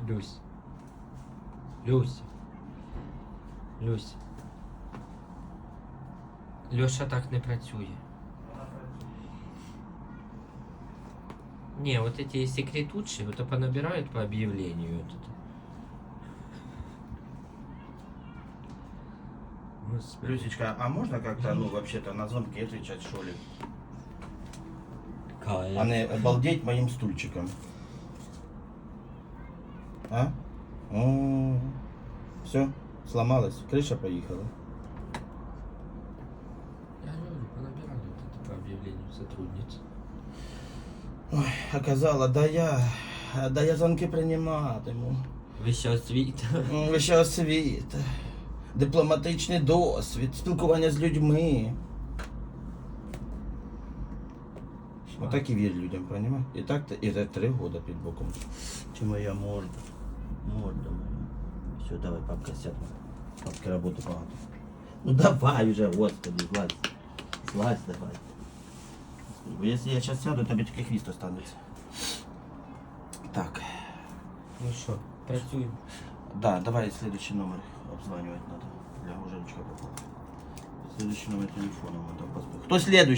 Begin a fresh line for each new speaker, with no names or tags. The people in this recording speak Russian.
Люсь. Люсь. Люсь. Льоша так не працює. Не, вот эти секретутши, вот понабирают по объявлению. Вот это. Господи.
Люсечка, а можно как-то, ну, вообще-то на звонки отвечать, что ли?
Кайф.
А не обалдеть моим стульчиком. А? Все, сломалась, крыша поехала.
Я говорю, понабирали вот это по объявлению сотрудниц.
Ой, оказала, да я звонки прийматиму.
Вища освіта.
Вища освіта, дипломатичний досвід, спілкування з людьми. Отак і вір людям, понимаешь? І так і за 3 года під боком. Чи моя морда? Морда моя. Все, давай, папка, сядь. Папки роботи багато. Ну давай уже, господи, злазь. Злазь давай. Бо якщо я зараз сяду, тобі тільки хвіст останеться. Так.
Ну що, працюємо.
Да, давай следующий номер обзванивать надо. Для Женечка попала. Следующий номер телефона надо. Кто следующий?